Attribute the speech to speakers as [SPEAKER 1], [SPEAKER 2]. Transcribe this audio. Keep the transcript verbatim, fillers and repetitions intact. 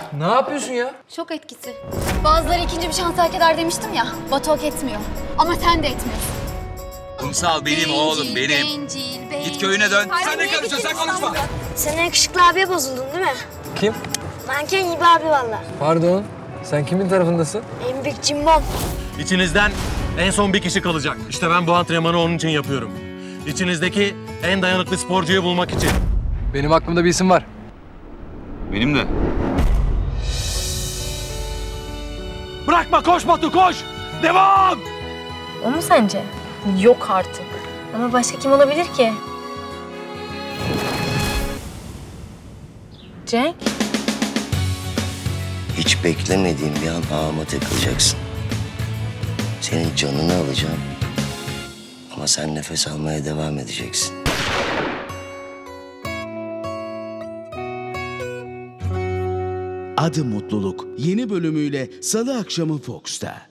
[SPEAKER 1] Ne yapıyorsun ya?
[SPEAKER 2] Şok etkisi. Bazıları ikinci bir şans hak eder demiştim ya. Batu hak etmiyor. Ama sen de etmiyorsun.
[SPEAKER 3] Kumsal benim oğlum benim.
[SPEAKER 2] Bencil, bencil.
[SPEAKER 3] Git köyüne dön.
[SPEAKER 2] Hayır,
[SPEAKER 3] Sen ne
[SPEAKER 2] niye
[SPEAKER 3] karışıyorsun? Sen
[SPEAKER 2] gittin
[SPEAKER 3] konuşma.
[SPEAKER 2] İstanbul'a?
[SPEAKER 4] Sen yakışıklı abiye bozuldun değil mi?
[SPEAKER 1] Kim?
[SPEAKER 4] Manken gibi abi valla.
[SPEAKER 1] Pardon. Sen kimin tarafındasın?
[SPEAKER 4] En büyük cimbom.
[SPEAKER 5] İçinizden en son bir kişi kalacak. İşte ben bu antrenmanı onun için yapıyorum. İçinizdeki en dayanıklı sporcuyu bulmak için.
[SPEAKER 1] Benim aklımda bir isim var.
[SPEAKER 3] Benim de.
[SPEAKER 5] Bırakma, koş Batu, koş! Devam!
[SPEAKER 6] O mu sence? Yok artık. Ama başka kim olabilir ki? Cenk?
[SPEAKER 7] Hiç beklemediğin bir an ağıma takılacaksın. Senin canını alacağım. Ama sen nefes almaya devam edeceksin.
[SPEAKER 8] Adı Mutluluk yeni bölümüyle Salı akşamı Fox'ta.